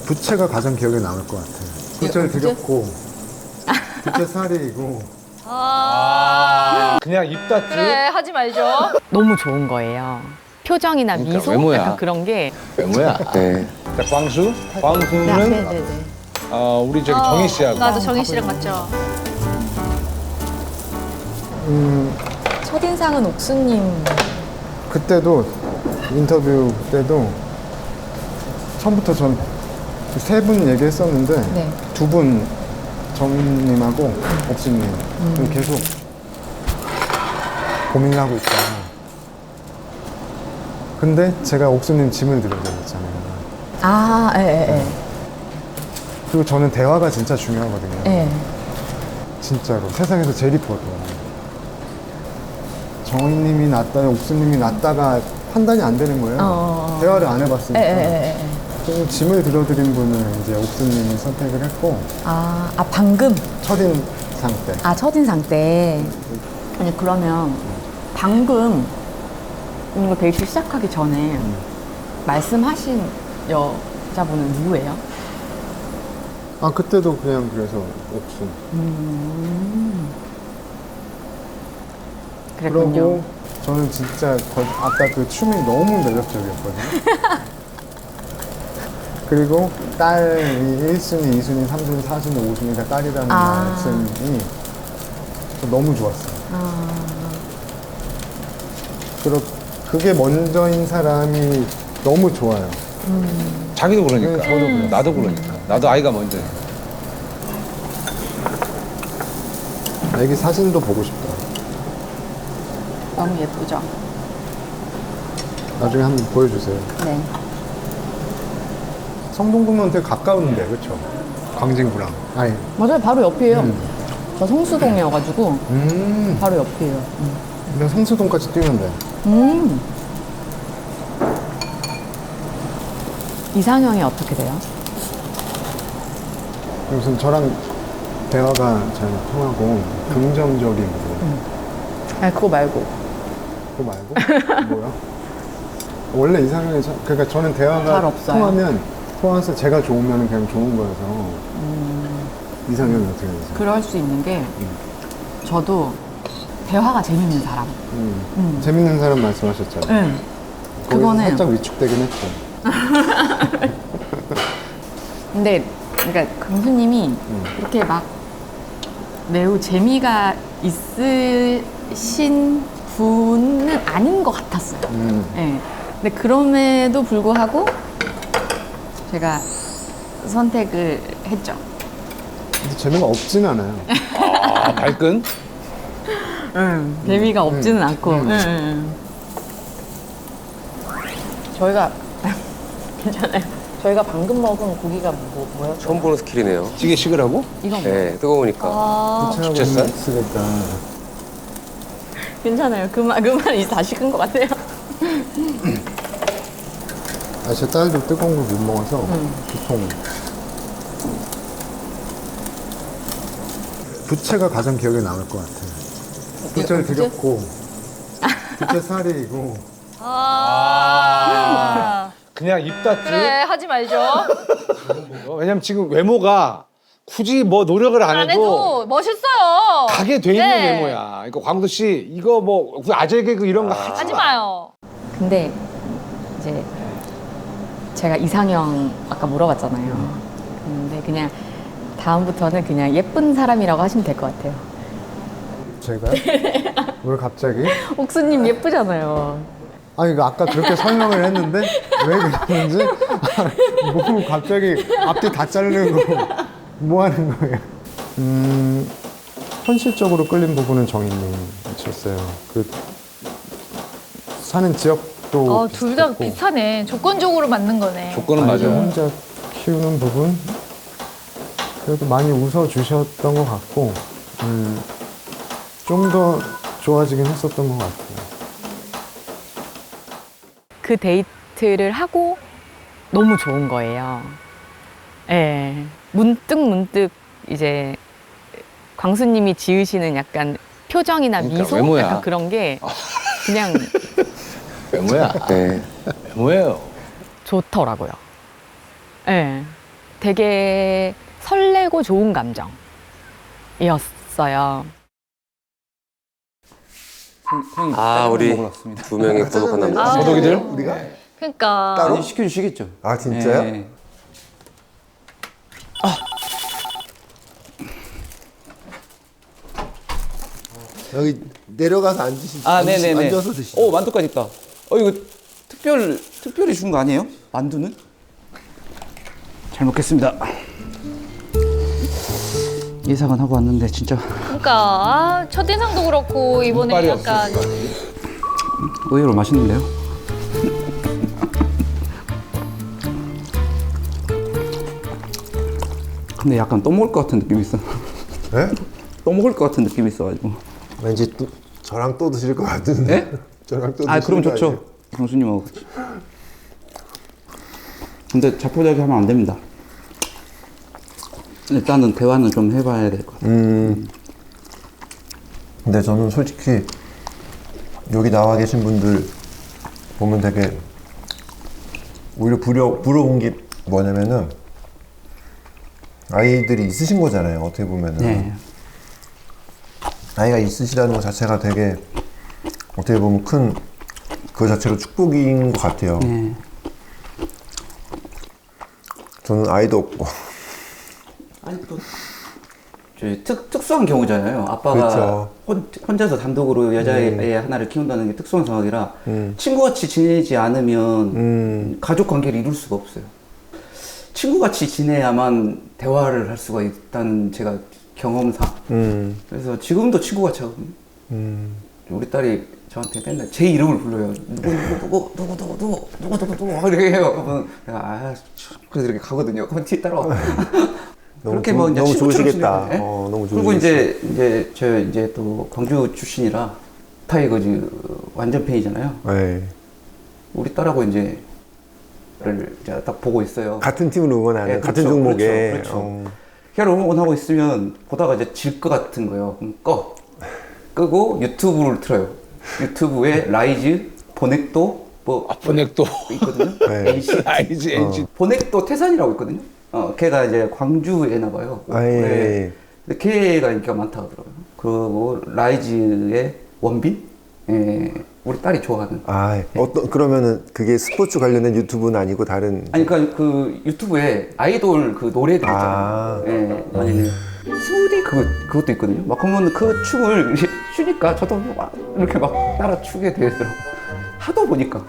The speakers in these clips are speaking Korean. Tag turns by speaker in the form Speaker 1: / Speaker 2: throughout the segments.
Speaker 1: 부채가 가장 기억에 남을 것 같아요. 부채를 드렸고, 부채 살이고.
Speaker 2: 그냥 입 닫지?
Speaker 3: 그래, 하지 말죠.
Speaker 4: 너무 좋은 거예요. 표정이나
Speaker 2: 그러니까
Speaker 4: 미소
Speaker 2: 외모야.
Speaker 4: 약간 그런 게.
Speaker 2: 외모야. 네. 자, 광수. 광수는
Speaker 4: 네네네.
Speaker 2: 우리 저기 정희 씨하고.
Speaker 3: 나도 정희 씨랑 맞죠.
Speaker 4: 첫인상은 옥수님.
Speaker 1: 그때도, 인터뷰 때도, 처음부터 전 세 분 얘기했었는데,
Speaker 4: 네.
Speaker 1: 두 분, 정님하고 옥수님, 계속 고민을 하고 있다. 근데 제가 옥수님 짐을 들어드렸잖아요.
Speaker 4: 아, 예.
Speaker 1: 그리고 저는 대화가 진짜 중요하거든요.
Speaker 4: 예.
Speaker 1: 진짜로. 세상에서 제일 이뻐도. 정희님이 낫다, 옥수님이 낫다가 판단이 안 되는 거예요. 대화를 안 해봤으니까. 그래서 짐을 들어드린 분을 이제 옥수님이 선택을 했고,
Speaker 4: 방금?
Speaker 1: 첫인상 때.
Speaker 4: 아, 첫인상 때. 아니, 그러면 방금 이거 데이트 시작하기 전에 말씀하신 여자분은 누구예요?
Speaker 1: 아, 그때도 그냥 그래서 옥수.
Speaker 4: 그랬군요.
Speaker 1: 그리고 저는 진짜 아까 그 춤이 너무 매력적이었거든요. 그리고 딸이 1순위, 2순위, 3순위, 4순위, 5순위가 딸이라는 말씀이 너무 좋았어요. 그게 먼저인 사람이 너무 좋아요.
Speaker 2: 자기도 그러니까.
Speaker 1: 네, 저도 그래요.
Speaker 2: 나도 그러니까. 나도 아이가 먼저.
Speaker 1: 애기 사진도 보고 싶다.
Speaker 4: 너무 예쁘죠?
Speaker 1: 나중에 한번 보여주세요.
Speaker 4: 네.
Speaker 1: 성동구면 되게 가까운데, 그렇죠? 광진구랑. 아니.
Speaker 4: 맞아요. 바로 옆이에요. 저 성수동이어가지고 바로 옆이에요.
Speaker 1: 그냥 성수동까지 뛰면 돼.
Speaker 4: 이상형이 어떻게 돼요?
Speaker 1: 우선 저랑 대화가 잘 통하고 긍정적이고.
Speaker 4: 아니, 그거 말고.
Speaker 1: 그거 말고? 뭐야? 원래 이상형이 그러니까 저는 대화가
Speaker 4: 잘 없어요.
Speaker 1: 통해서 제가 좋으면 그냥 좋은 거여서. 이상형이 어떻게 되세요?
Speaker 4: 그럴 수 있는 게 저도 대화가 재밌는 사람.
Speaker 1: 재밌는 사람 말씀하셨잖아요.
Speaker 4: 응.
Speaker 1: 거기서
Speaker 4: 그거는
Speaker 1: 살짝 위축되긴 했죠.
Speaker 4: 근데 그러니까 강수님이 그렇게 막 매우 재미가 있으신 분은 아닌 것 같았어요. 네. 근데 그럼에도 불구하고 제가 선택을 했죠.
Speaker 1: 근데 재미가 없진 않아요.
Speaker 2: 아, 발끈?
Speaker 4: 재미가 없지는 않고. 저희가 괜찮아요. 저희가 방금 먹은 고기가 뭐였죠?
Speaker 5: 처음 보는 스킬이네요.
Speaker 2: 찌개 식으라고?
Speaker 4: 이건
Speaker 5: 네, 뜨거우니까.
Speaker 1: 부채하고
Speaker 2: 부채살?
Speaker 1: 있으니까.
Speaker 4: 괜찮아요. 그 말이 다 식은 것 같아요.
Speaker 1: 아, 제 딸도 뜨거운 걸 못 먹어서 보통 부채가 가장 기억에 남을 것 같아요. 부채를 드렸고, 부채 살이고.
Speaker 2: 그냥 입 닫지?
Speaker 3: 그래, 하지 말죠.
Speaker 2: 왜냐면 지금 외모가 굳이 뭐 노력을 안
Speaker 3: 안
Speaker 2: 해도
Speaker 3: 해도 멋있어요.
Speaker 2: 가게 돼 있는
Speaker 3: 네.
Speaker 2: 외모야. 그러니까 광수 씨 이거 뭐 아재 개그 이런 거 하지
Speaker 3: 하지
Speaker 2: 마.
Speaker 3: 마요.
Speaker 4: 근데 이제 제가 이상형 아까 물어봤잖아요. 근데 그냥 다음부터는 그냥 예쁜 사람이라고 하시면 될 것 같아요.
Speaker 1: 제가요? 왜 갑자기?
Speaker 4: 옥수님 예쁘잖아요.
Speaker 1: 아니, 이거 아까 그렇게 설명을 했는데 왜 그러는지 뭐 갑자기 앞뒤 다 자르고 뭐 하는 거예요? 현실적으로 끌린 부분은 정희님이셨어요. 그 사는 지역도
Speaker 3: 둘 다
Speaker 1: 비슷했고,
Speaker 3: 비슷하네. 조건적으로 맞는 거네.
Speaker 2: 조건은
Speaker 1: 아이를
Speaker 2: 맞아.
Speaker 1: 혼자 키우는 부분 그래도 많이 웃어주셨던 것 같고 좀 더 좋아지긴 했었던 것 같아요.
Speaker 4: 그 데이트를 하고 너무 좋은 거예요. 예. 문득 이제 광수님이 지으시는 약간 표정이나
Speaker 2: 그러니까
Speaker 4: 미소
Speaker 2: 외모야.
Speaker 4: 약간 그런 게 그냥
Speaker 2: 외모야.
Speaker 5: 네.
Speaker 2: 외모예요.
Speaker 4: 좋더라고요. 예. 되게 설레고 좋은 감정이었어요.
Speaker 5: 아, 우리 두 명의 고독한 남자.
Speaker 2: 고독이들?
Speaker 1: 우리가?
Speaker 3: 그러니까.
Speaker 1: 따로?
Speaker 6: 아니, 시켜주시겠죠.
Speaker 1: 아, 진짜요?
Speaker 6: 네.
Speaker 1: 여기 내려가서 앉으시,
Speaker 6: 아, 네네네.
Speaker 1: 앉아서 드시죠.
Speaker 6: 오, 만두까지 있다. 이거 특별히 준 거 아니에요? 만두는? 잘 먹겠습니다. 예상은 하고 왔는데 진짜
Speaker 3: 그러니까 아, 첫인상도 그렇고 이번에
Speaker 2: 빨이
Speaker 3: 약간
Speaker 6: 의외로 맛있는데요? 근데 약간 또 먹을 것 같은 느낌이 있어.
Speaker 1: 네?
Speaker 6: 또 먹을 것 같은 느낌이 있어가지고.
Speaker 1: 왠지 또 저랑 또 드실 것 같은데.
Speaker 6: 네?
Speaker 1: 저랑 또
Speaker 6: 아, 그럼
Speaker 1: 드시는 거
Speaker 6: 좋죠.
Speaker 1: 아니에요?
Speaker 6: 경수님하고 같이. 근데 자포자기 하면 안 됩니다. 일단은 대화는 좀 해봐야 될 것 같아요.
Speaker 1: 근데 저는 솔직히 여기 나와 계신 분들 보면 되게 오히려 부러운 게 뭐냐면은 아이들이 있으신 거잖아요. 어떻게 보면은
Speaker 6: 네.
Speaker 1: 아이가 있으시다는 것 자체가 되게 어떻게 보면 큰 그 자체로 축복인 것 같아요.
Speaker 6: 네.
Speaker 1: 저는 아이도 없고
Speaker 6: 아니 또 특수한 경우잖아요. 아빠가
Speaker 1: 그렇죠.
Speaker 6: 혼자서 단독으로 여자애 하나를 키운다는 게 특수한 상황이라 친구같이 지내지 않으면 가족 관계를 이룰 수가 없어요. 친구같이 지내야만 대화를 할 수가 있다는 제가 경험상. 그래서 지금도 친구같이 하거든요. 우리 딸이 저한테 맨날 제 이름을 불러요. 누구 이렇게 해요. 그러면 내가 그래서 이렇게 가거든요. 그럼 뒤에 따라와. 그렇게 뭐 이제
Speaker 1: 너무
Speaker 6: 친구처럼
Speaker 1: 좋으시겠다.
Speaker 6: 지내거든요. 예?
Speaker 1: 너무
Speaker 6: 그리고
Speaker 1: 좋으시겠어요.
Speaker 6: 저 이제 또 광주 출신이라 타이거즈 완전 팬이잖아요.
Speaker 1: 네.
Speaker 6: 우리 딸하고 이제 딱 보고 있어요.
Speaker 1: 같은 팀을 응원하는
Speaker 6: 예,
Speaker 1: 같은
Speaker 6: 그렇죠,
Speaker 1: 종목에
Speaker 6: 그렇죠. 걔를 응원하고 있으면 보다가 이제 질 것 같은 거예요. 그럼 끄고 유튜브를 틀어요. 유튜브에 라이즈, 보넥도 뭐
Speaker 2: 보넥도.
Speaker 6: 있거든요.
Speaker 1: 네.
Speaker 6: NC
Speaker 2: 알지, NC.
Speaker 6: 보넥도 태산이라고 있거든요. 걔가 이제 광주에나 봐요.
Speaker 1: 아, 예.
Speaker 6: 네. 근데 걔가 인기가 많다 하더라고요. 그리고 라이즈의 원빈, 우리 딸이 좋아하는.
Speaker 1: 아, 그러면은 그게 스포츠 관련된 유튜브는 아니고 다른.
Speaker 6: 아니 그러니까 그 유튜브에 아이돌 그 노래들
Speaker 1: 아.
Speaker 6: 있잖아요. 아니 스무디 그것도 있거든요. 막 그러면 그 춤을 추니까 저도 막 이렇게 막 따라 추게 되더라고. 하도 보니까.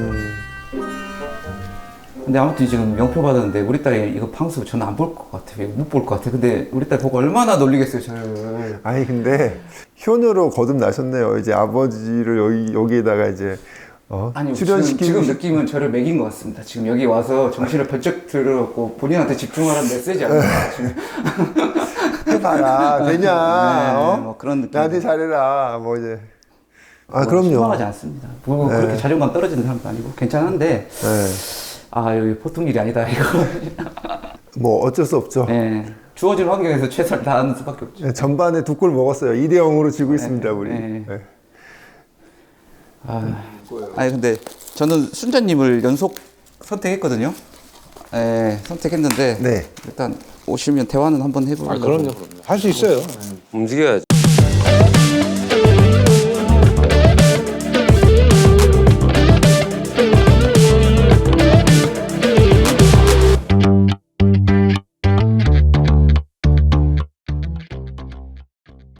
Speaker 6: 근데 아무튼 지금 명표 받았는데 우리 딸이 이거 방송 저는 안 볼 것 같아요. 못 볼 것 같아요. 근데 우리 딸 보고 얼마나 놀리겠어요, 저를.
Speaker 1: 아니 근데 효녀로 거듭나셨네요. 이제 아버지를 여기에다가 이제
Speaker 6: 아니
Speaker 1: 출연시키는
Speaker 6: 지금 느낌은 저를 매긴 것 같습니다. 지금 여기 와서 정신을 번쩍 들어갖고 본인한테 집중하라는 메시지 아닙니까? 지금.
Speaker 1: 해봐라 되냐?
Speaker 6: 네, 뭐 그런 느낌.
Speaker 1: 나한테 잘해라. 뭐 이제. 아 그럼요.
Speaker 6: 실망하지 않습니다. 뭐
Speaker 1: 네.
Speaker 6: 그렇게 자존감 떨어지는 사람도 아니고 괜찮은데
Speaker 1: 네.
Speaker 6: 여기 보통 일이 아니다 이거.
Speaker 1: 뭐 어쩔 수 없죠.
Speaker 6: 네. 주어진 환경에서 최선을 다하는 수밖에 없죠.
Speaker 1: 네, 전반에 2골 먹었어요. 2대 0으로 지고 있습니다 우리.
Speaker 6: 네.
Speaker 1: 네.
Speaker 6: 아니 근데 저는 순자님을 연속 선택했거든요. 선택했는데
Speaker 1: 네.
Speaker 6: 일단 오시면 대화는 한번 해보려고.
Speaker 2: 아, 그럼요. 할 수 있어요.
Speaker 5: 움직여야죠.